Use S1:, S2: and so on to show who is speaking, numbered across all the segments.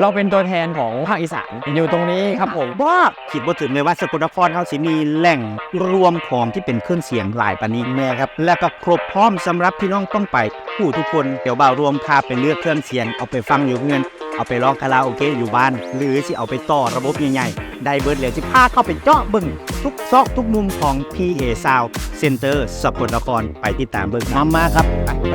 S1: เราเป็นตัวแทนของภาคอีสานอยู่ตรงนี้ครับผม
S2: ว่าคิดบ่ถึงเลยว่าสกลนครเฮาสิมีแหล่งรวมของที่เป็นเครื่องเสียงหลายปานนี้แม่ครับและก็ครบพร้อมสำหรับพี่น้องต้องไปผู้ทุกคนเดี๋ยวบ่าวรวมพาไปเลือกเครื่องเสียงเอาไปฟังอยู่เงินเอาไปร้องคาราโอเกะอยู่บ้านหรือสิเอาไปต่อระบบใหญ่ๆได้เบิดแล้วสิพาเข้าไปเจาะเบิ่งทุกซอกทุกมุมของ PA Sound Center สกลนครไปติดตามเบิ่งมาครับไป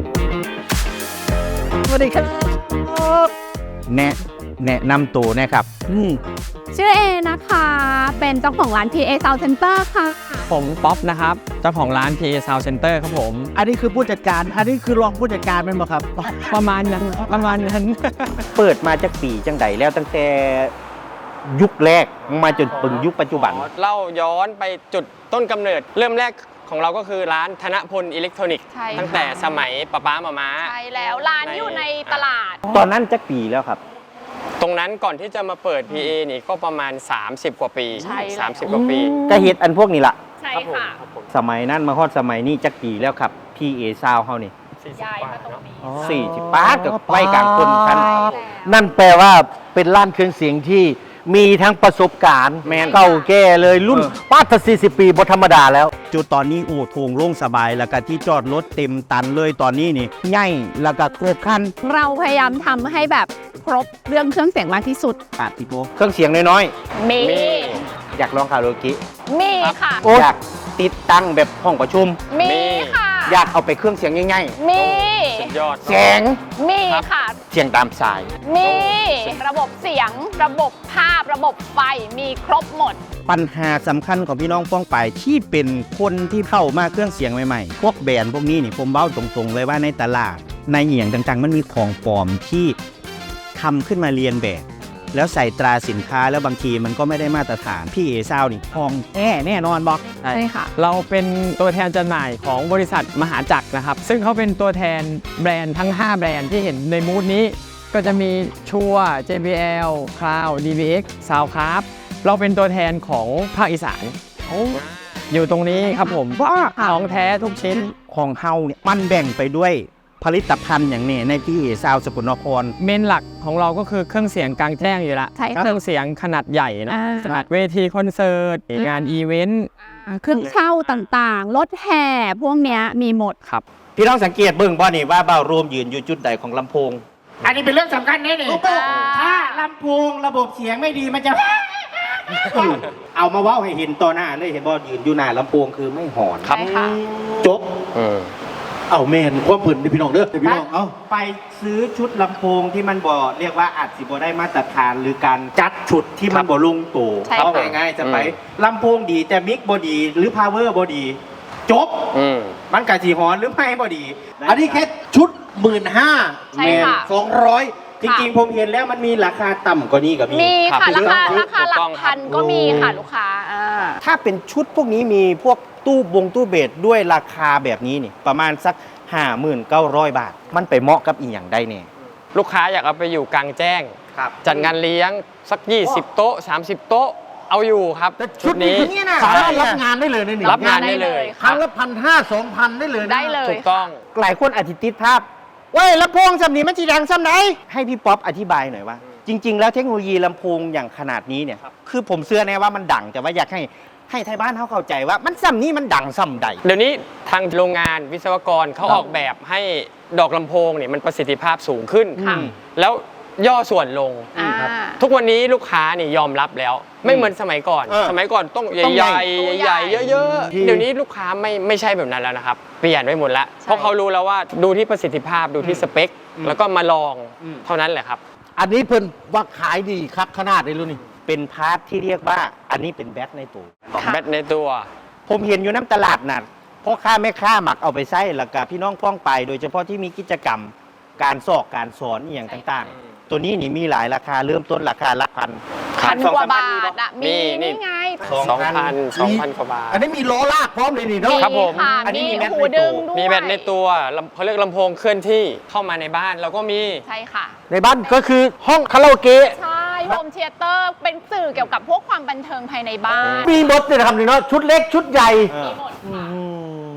S2: สวัสดีครับแนะนำตัวนะครับ
S3: ชื่อเอนะคะเป็นเจ้าของร้าน PA Sound Center ค่ะ
S1: ผมป๊อปนะครับเจ้าของร้าน PA Sound Center ครับผม
S2: อันนี้คือผู้จัดการอันนี้คือรองผู้จัดการเป็นบ่ครับ
S1: ประมาณนั้น
S2: เปิดมาจากปีจังใดแล้วตั้งแต่ยุคแรกมาจนถึงยุคปัจจุบัน
S1: เล่าย้อนไปจุดต้นกำเนิดเริ่มแรกของเราก็คือร้านธนพลอิเล็กทรอนิกส์ตั้งแต่สมัยป้ามา
S3: ใช่แล้วร้านอยู่ในตลาด
S2: ตอนนั้นจักปีแล้วครับ
S1: ตรงนั้นก่อนที่จะมาเปิด PA นี่ก็ประมาณ30กว่าปี30กว่าปี
S2: ก็เฮ็ดอันพวกนี้ล่ะ
S3: ใช่ค่ะ
S2: สมัยนั้นมาฮอดสมัยนี้จักปีแล้วครับ PA Sound เฮานี่
S3: ย้ายมาตรงนี้
S2: 40 8กับไว้กลางคนคัน
S4: นั่นแปลว่าเป็นร้านเครื่องเสียงที่มีทั้งประสบการณ์เก่าแก่เลยรุ่นป้าถ้า40 ปีบ่ธรรมดาแล้ว
S2: จุดตอนนี้โอ้โถงโล่งสบายแล้วก็ที่จอดรถเต็มตันเลยตอนนี้นี่ใหญ่แล้วก็ครบครัน
S3: เราพยายามทำให้แบบครบเรื่องเครื่องเสียงมากที่สุด
S2: พี่โบเครื่องเสียงน้อย
S3: ๆมี
S2: อยากลองคาราโอเกะ
S3: มีค่ะ
S2: อยากติดตั้งแบบห้องประชุม
S3: มีค่ะ
S2: อยากเอาไปเครื่องเสียงง่าย
S3: ๆมี
S1: สุดยอด
S2: เสียง
S3: มีค่ะ
S2: เสียงตามสาย
S3: มีระบบเสียงระบบภาพระบบไฟมีครบหมด
S2: ปัญหาสำคัญของพี่น้องป้องไปที่เป็นคนที่เข้ามาเครื่องเสียงใหม่ๆพวกแบรนด์พวกนี้นี่ผมเบ้าตรงๆเลยว่าในตลาดในเหี่ยงต่างๆมันมีของปลอมที่ทำขึ้นมาเรียนแบบแล้วใส่ตราสินค้าแล้วบางทีมันก็ไม่ได้มาตรฐานพี่เอซาวนี่ทองแน่นอนบอก
S3: ใช่ค่ะ
S1: เราเป็นตัวแทนจำหน่ายของบริษัทมหาจักรนะครับซึ่งเขาเป็นตัวแทนแบรนด์ทั้ง5แบรนด์ที่เห็นในมูดนี้ก็จะมีชัว JBL Cloud DBX Soundcraft เราเป็นตัวแทนของภาคอีสานอยู่ตรงนี้ครับผมว่าของแท้ทุกชิ้น
S2: ของเฮาเนี่ยมันแบ่งไปด้วยผลิตภัณฑ์อย่างนี้ในที่ซาวสกลนคร
S1: เมนหลักของเราก็คือเครื่องเสียงกลางแจ้งอยู่ละเครื่องเสียงขนาดใหญ่นะขนาดเวทีคอนเสิร์ตงานอีเวนต์
S3: เครื่องเช่าต่างๆรถแห่พวกเนี้ยมีหมด
S1: ครับ
S2: พี่น้องสังเกตเบิ่งบ่นี่ว่าเบ้ารวมยืนอยู่จุดใดของลำโพง
S4: อันนี้เป็นเรื่องสำคัญแน่เลยถ้าลำโพงระบบเสียงไม่ดีมันจะ
S2: เอามาเว้าให้เห็นต่อหน้าเลยเห็นบ่ยืนอยู่หน้าลำโพงคือไม่หอน
S3: ครับ
S2: จบเอาแมนความผืนพี่น้องเด้อพี่น้องเอาไปซื้อชุดลำโพงที่มันบ่เรียกว่าอาจสิบ่ได้มาตรฐานหรือการจัดชุดที่มันบ่ลงตัวเอาง่ายๆจะไปลำโพงดีแต่มิกบ่ดีหรือพาวเวอร์บ่ดีจบมันกะสิหอนหรือไม่บ่ดี
S4: อันนี้แค่ชุด15,000
S3: แมน
S4: 200
S2: จริงๆผมเห็นแล้วมันมีราคาต่ำกว่านี้กับ
S3: มีค่ะราคาหลักพันก็มีค่ะลูกค้า
S2: ถ้าเป็นชุดพวกนี้มีพวกตู้เบสด้วยราคาแบบนี้นี่ประมาณสัก 59,000 บาทมันไปเหมาะกับอีกอย่างได้เนี่ย
S1: ลูกค้าอยากเอาไปอยู่กลางแจ้งจัดงานเลี้ยงสัก20 โต๊ะ30 โต๊ะเอาอยู่ครับ
S4: ชุดนี้สามารถรับงานได้เลยนี่
S1: รับงานได้เลย
S4: ครั้งละ1,500 2,000ได้เลย
S3: ได้เลย
S1: ถูกต้อง
S2: หลายคนอธิติดภาพเว้ยลำโพงสำนี้มันจีดังสำไหนให้พี่ป๊อปอธิบายหน่อยว่าจริงๆแล้วเทคโนโลยีลำโพงอย่างขนาดนี้เนี่ยคือผมเชื่อแน่ว่ามันดังแต่ว่าอยากให้ไทยบ้านเขาเข้าใจว่ามันซ้ำนี้มันดังซ้ำใด
S1: เดี๋ยวนี้ทางโรงงานวิศวกรเขาออกแบบให้ดอกลำโพงเนี่ยมันประสิทธิภาพสูงขึ้นแล้วย่อส่วนลงทุกวันนี้ลูกค้านี่ยอมรับแล้วไม่เหมือนสมัยก่อนต้องใหญ่เยอะๆเดี๋ยวนี้ลูกค้าไม่ใช่แบบนั้นแล้วนะครับเปลี่ยนไปหมดแล้วเพราะเขารู้แล้วว่าดูที่ประสิทธิภาพดูที่สเปคแล้วก็มาลองเท่านั้นแหละครับ
S4: อันนี้เพิ่นว่าขายดีครับขนาดนี้รู้นี่
S2: เป็นพาร์ทที่เรียกว่าอันนี้เป็นแบตในตัวผมเห็นอยู่น้ำตลาดน่ะพ่อค้าแม่ค้าหมักเอาไปใช้แล้วก็พี่น้องพ้องไปโดยเฉพาะที่มีกิจกรรมการสอนอย่างต่างๆตัวนี้นี่มีหลายราคาเริ่มต้นราคาหลักพัน
S3: กว่าบาทมีนี่ไง
S1: 2,000 กว่าบาท
S4: อันนี้มีล้อลากพร้อมเลยนี่เนาะ
S1: ครับผม
S3: อันนี้มีหูดึงด้วย
S1: มีแบตในตัวเขาเรียกลำโพงเคลื่อนที่เข้ามาในบ้านเราก็มี
S3: ใช่ค่ะ
S4: ในบ้านก็คือห้องคาราโอเกะ
S3: ใช่โฮมเธียเตอร์เป็นสื่อเกี่ยวกับพวกความบันเทิงภายในบ้าน
S4: มีหมดเลยนะครับนี่เนาะชุดเล็กชุดใหญ่
S3: มีหมดค่ะ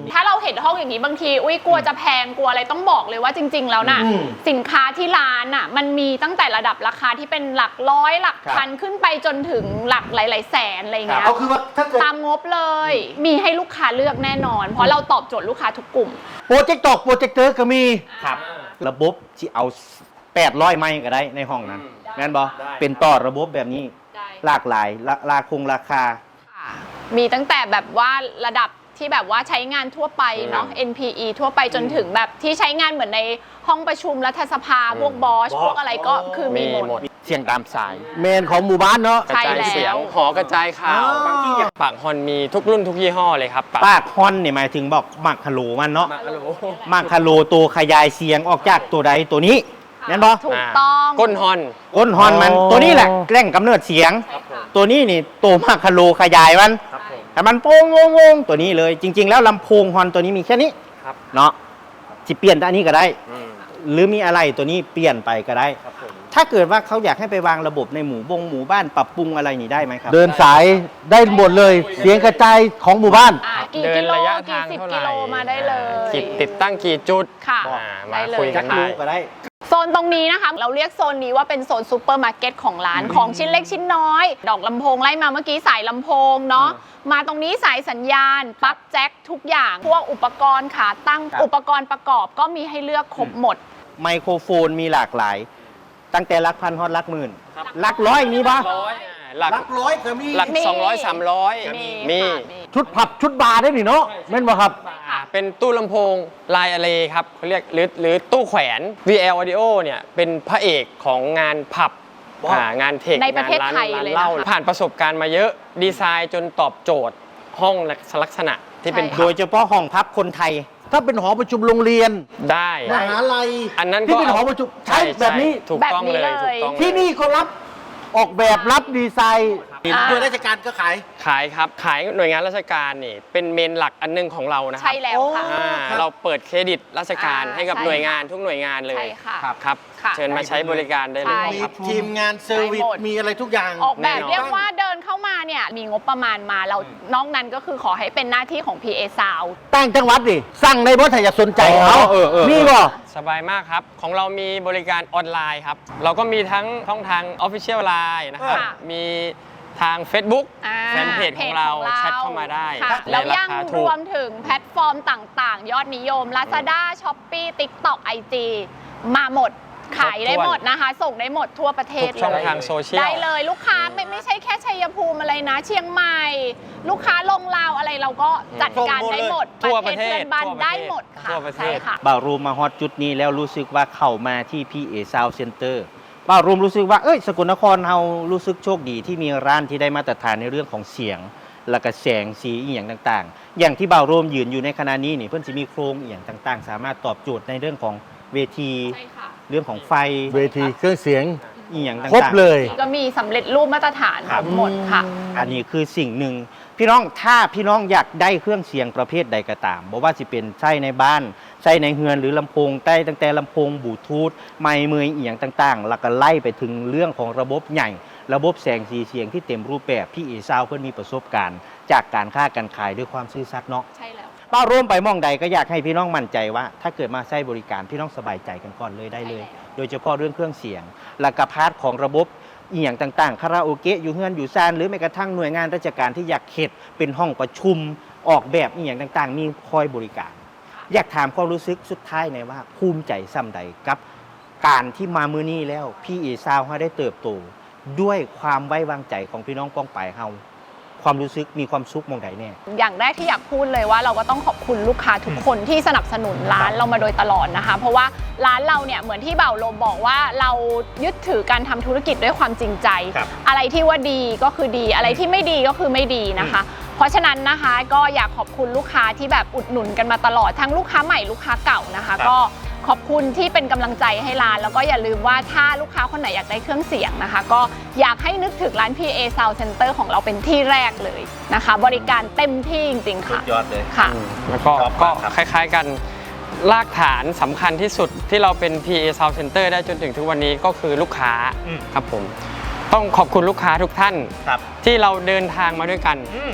S3: ถ้าเราเห็นห้องอย่างนี้บางทีอุ้ยกลัวจะแพงกลัวอะไรต้องบอกเลยว่าจริง ๆ แล้วน่ะสินค้าที่ร้านน่ะมันมีตั้งแต่ระดับราคาที่เป็นหลักร้อยหลักพันขึ้นไปจนถึงหลักหลายๆแสนอะไรเงี้ย
S4: เอาคือว่าถ้าเกิด
S3: ตามงบเลย มีให้ลูกค้าเลือกแน่นอน เพราะเราตอบโจทย์ลูกค้าทุกกลุ่ม
S4: โปรเจกต์ตอกโปรเจกเตอร์ก็มี
S2: ครับ ระบบที่เอา800ไม้ก็ได้ในห้องนั้นแม่นบ่เป็นต่อระบบแบบนี้
S3: ได้
S2: หลากหลายราคา
S3: ค่ะมีตั้งแต่แบบว่าระดับที่แบบว่าใช้งานทั่วไปเนาะ NPE ทั่วไปจนถึงแบบที่ใช้งานเหมือนในห้องประชุมรัฐสภาพวกบอสพวกอะไรก็คือมีหมด
S1: เสียงตามสาย
S4: เมนของหมู่บ้านเนาะ
S1: กระจายเสียงหอกระจายข่าว
S4: อ๋อ
S1: ปากฮอนมีทุกรุ่นทุกยี่ห้อเลยครับ
S2: ปากฮอนนี่หมายถึงบอกมักคาโลมันเนาะ
S1: มากฮัลโหล
S2: มักคาโลตัวขยายเสียงออกจากตัวใดตัวนี้แม่นบ่
S3: ถูกต้อง
S1: ก้นฮอน
S2: ก้นฮอนมันตัวนี้แหละแกล้งกำเนิดเสียง
S3: ใช่ค่ะ
S2: ตัวนี้นี่ตัวมักคาโลขยายมันแต่มันโป้งงงตัวนี้เลย จริง ๆ แล้วลำโพงฮอนตัวนี้มีแค่นี้
S1: ครับ
S2: เนาะที่เปลี่ยนอันนี้ก็ได้
S1: อืม
S2: หรือมีอะไรตัวนี้เปลี่ยนไปก็ได้
S1: ครับผม
S2: ถ้าเกิดว่าเขาอยากให้ไปวางระบบในหมู่บ้านปรับปรุงอะไรนี่ได้ไหมครับ
S4: เดินสายได้หมดเลย เสียงกระจายของหมู่บ้าน
S3: กี่
S1: เดิ
S3: กิ
S1: น
S3: โล
S1: ระยะ
S3: กี่
S1: ทาง
S3: สิบ
S1: เท่าไหร่
S3: กิโลมาได้เลย
S1: ติดตั้งกี่จุด
S3: ค่ะ
S1: มา
S3: ได้เลย
S1: คุยกัน
S2: จักรู
S1: ได้
S2: ก็ได้
S3: โซนตรงนี้นะคะ เราเรียกโซนนี้ว่าเป็นโซนซูเปอร์มาร์เก็ตของร้านของชิ้นเล็กชิ้นน้อย ดอกลำโพงไล่มาเมื่อกี้สายลำโพงเนาะมาตรงนี้สายสัญญาณปลั๊กแจ็คทุกอย่าง พวกอุปกรณ์ขาตั้ง
S2: ครับ
S3: อุปกรณ์ประกอบก็มีให้เลือกครบหมด
S2: ไมโครโฟนมีหลากหลาย ตั้งแต่หลักพันฮอดหลักหมื่นหลักร้อยมีปะ
S1: หลัก
S4: ร้อยก็มี
S1: หลัก
S3: มี
S1: 200 300 มี
S3: ค่ะ
S4: ชุดผับชุดบาร์ได้หนิเนาะแม่นบ่ครับ
S1: เป็นตู้ลำโพงลายอะเลครับเขาเรียกหรือตู้แขวน VL Audio เนี่ยเป็นพระเอกของงานผับงานเทค
S3: ในประเทศ
S1: งาน
S3: ไทย
S1: ร้าน
S3: เลย
S1: เหล้า
S3: นะคะ
S1: ผ่านประสบการณ์มาเยอะดีไซน์จนตอบโจทย์ห้องลักษณะที่เป็น
S3: ใช่
S2: โดยเฉพาะห้องพักคนไทย
S4: ถ้าเป็นหอประชุมโรงเรียน
S1: ได้
S4: มหาลัย
S1: อันนั้น
S4: ที่
S1: ก็
S4: เป็นหอประชุมใช้แบบนี้
S1: ถูกต้องเลย
S3: แบบนี้เลย
S1: ถูกต้องเลย
S4: ที่นี่ก็รับออกแบบรับดีไซน์
S3: อ่า
S4: โดยราชการก็ขาย
S1: ขายครับขายหน่วยงานราชการนี่เป็นเมนหลักอันหนึงของเรานะครั
S3: ใช่แล้วค่ะ
S1: อ่าเราเปิดเครดิตราชการ
S3: อ่า
S1: ให้กับ
S3: ใช่
S1: หน่วยงานทุกหน่วยงานเลย
S3: ใช่ค่ะ
S1: ครับ
S3: ค่ะ
S1: เชิญมาใช้บริการได้เลย
S3: ใช่
S1: ครับ
S4: ทีมงานเซอร์วิส
S3: ได้หมด
S4: มีอะไรทุกอย่าง
S3: ออกแบบ
S1: แน่นอน
S3: เรียกว่าเดินเข้ามาเนี่ยมีงบประมาณมาเรานอกนั้นก็คือขอให้เป็นหน้าที่ของ PA Sound
S4: ตั้งจังหวัดดิสั่งในบ่ถ้าอยากสนใจเขา
S2: เออ
S4: มีบ่
S1: สบายมากครับ ของเรามีบริการออนไลน์ครับ เราก็มีทั้งช่องทาง Official Line นะครับ
S3: ค่ะ
S1: มีทาง Facebook
S3: อ่า
S1: แฟนเพจของเราแชทเข้ามาได้
S3: ค่ะ
S1: ใน
S3: แล้ว
S1: รา
S3: ยัง
S1: คาร ถู
S3: ว
S1: ก
S3: มถึงแพลตฟอร์มต่างๆ ยอดนิยม Lazada Shopee TikTok IG มาหมดขายได้หมดนะคะ ส่งได้หมดทั่วประเทศ
S1: ทุกช่อง
S3: เลย
S1: ทางโซเชียล
S3: ได้เลยลูกค้าไม่ใช่แค่ชัยภูมิอะไรนะ เชียงใหม่ ลูกค้าลงลาวอะไรเราก็จัดการได้หมด
S1: ทั่วประเทศ
S3: เพื่อนบ้าน
S1: ทั่วประเทศ
S3: ได้หมดค่ะ
S1: ทั่วประเทศ
S3: ใช่ค่ะ
S2: บ่าวรูมมาฮอตจุดนี้แล้วรู้สึกว่าเข้ามาที่พี่เอซาวเซ็นเตอร์บ่าวรูมรู้สึกว่าสกลนครเรารู้สึกโชคดีที่มีร้านที่ได้มาตรฐานในเรื่องของเสียง และก็แสงสีอีหยังต่างๆ อย่างที่บ่าวรูมยืนอยู่ในขณะนี้นี่เพิ่นสิมีโครงอีหยังต่างๆ สามารถตอบโจทย์ในเรื่องของเวที
S3: ใช่ค่ะ
S2: เรื่องของไฟ
S4: เวทีเครื่องเสียง
S2: อีหยังต่างๆ
S4: ครบเลย
S3: ก็มีสำเร็จรูปมาตรฐาน
S2: ครับ
S3: ทั้งหมดค่ะ
S2: อันนี้คือสิ่งหนึ่งพี่น้องถ้าพี่น้องอยากได้เครื่องเสียงประเภทใดก็ตามบอกว่าสิเป็นใช้ในบ้านใช้ในเฮือนหรือลำโพงใต้ตั้งแต่ลำโพงบลูทูธไมค์เมยอีหยังต่างๆ แล้วก็ไล่ไปถึงเรื่องของระบบใหญ่ ระบบแสงสีเสียงที่เต็มรูปแบบพี่เอซาวเพื่อนมีประสบการณ์ จากการค้าการขายด้วยความซื่อสัตย์เนาะ
S3: ใช่แล้ว
S2: ป้าร่วมไปมองใดก็อยากให้พี่น้องมั่นใจว่า ถ้าเกิดมาใช้บริการพี่น้องสบายใจกันก่อนเลยได้เลย
S3: ใช่แล้ว
S2: โดยเฉพาะเรื่องเครื่องเสียง และก็พาร์ทของระบบอีหยังต่างๆคาราโอเกะอยู่เฮือนอยู่ซานหรือแม้กระทั่งหน่วยงานราชการที่อยากเขตเป็นห้องประชุมออกแบบอีหยังต่างๆ มีคอยบริการ อยากถามความรู้สึกสุดท้ายในอยว่าภูมิใจซ้ำใดกับ การที่มามือนี้แล้วพี่เอซาวเขาได้เติบโตด้วยความไว้วางใจของพี่น้องป้องไปเฮาความรู้สึกมีความสุขมองใดแน่
S3: อย่างแรกที่อยากพูดเลยว่าเราก็ต้องขอบคุณลูกค้าทุกคนที่สนับสนุนร้านเรามาโดยตลอดนะคะ เพราะว่าร้านเราเนี่ยเหมือนที่เบ่าวลมบอกว่าเรายึดถือการทำธุรกิจด้วยความจริงใจ
S2: ครับ
S3: อะไรที่ว่าดีก็คือดี อะไรที่ไม่ดีก็คือไม่ดีนะคะ เพราะฉะนั้นนะคะก็อยากขอบคุณลูกค้าที่แบบอุดหนุนกันมาตลอดทั้งลูกค้าใหม่ลูกค้าเก่านะคะ
S2: ครับ
S3: ก็ขอบคุณที่เป็นกำลังใจให้ร้าน แล้วก็อย่าลืมว่าถ้าลูกค้าคนไหนอยากได้เครื่องเสียงนะคะ ก็อยากให้นึกถึงร้าน PA Sound Center ของเราเป็นที่แรกเลยนะคะ บริการเต็มที่จริงๆค่ะ
S2: ยอดเลย
S3: ค่ะ
S1: แล้วก็
S2: ชอบ
S1: ก็
S2: มากครับ
S1: คล้ายๆกันรากฐานสำคัญที่สุดที่เราเป็น PA Sound Center ได้จนถึงทุกวันนี้ก็คือลูกค้าครับผมต้องขอบคุณลูกค้าทุกท่าน
S2: ครับ
S1: ที่เราเดินทางมาด้วยกัน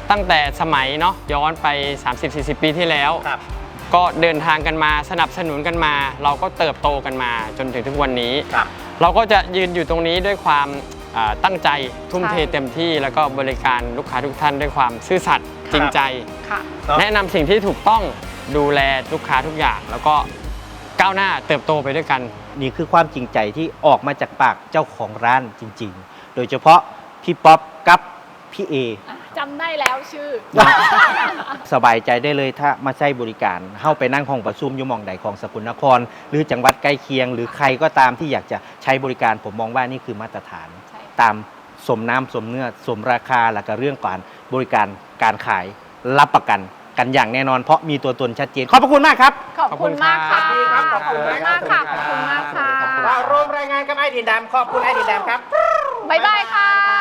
S1: ตั้งแต่สมัยเนาะย้อนไป 30-40 ปีที่แล้ว
S2: ครับ
S1: ก็เดินทางกันมาสนับสนุนกันมา เราก็เติบโตกันมาจนถึงทุกวันนี้
S2: ครับ
S1: เราก็จะยืนอยู่ตรงนี้ด้วยความตั้งใจทุ่มเท
S3: ใช่
S1: เต็มที่แล้วก็บริการลูกค้าทุกท่านด้วยความซื่อสัตย์จริงใจ
S3: ค่ะ
S1: แนะนำสิ่งที่ถูกต้องดูแลลูกค้าทุกอย่าง แล้วก็ก้าวหน้าเติบโตไปด้วยกัน
S2: นี่คือความจริงใจที่ออกมาจากปากเจ้าของร้านจริง ๆ โดยเฉพาะพี่ป๊อปกับพี่เอ
S3: จำได้แล้วชื่อ
S2: สบายใจได้เลยถ้ามาใช้บริการเข้าไปนั่งห้องประชุมอยู่หมองใดของสกลนคร หรือจังหวัดใกล้เคียง หรือใครก็ตามที่อยากจะใช้บริการผมมองว่านี่คือมาตรฐาน
S3: ใช่
S2: ตามสมน้ำสมเนื้อสมราคาและก็เรื่องการบริการการขายรับประกันกันอย่างแน่นอนเพราะมีตัวตนชัดเจนขอบพระคุณมากครับ
S3: ขอบคุณมากค่ะ
S1: ขอบคุณครับ
S3: มากค่ะ ขอบคุณมากค่ะ
S2: รวมรายงานกับไอดินดำขอบคุณไอดินดำครับ
S3: บ๊ายบายค่ะ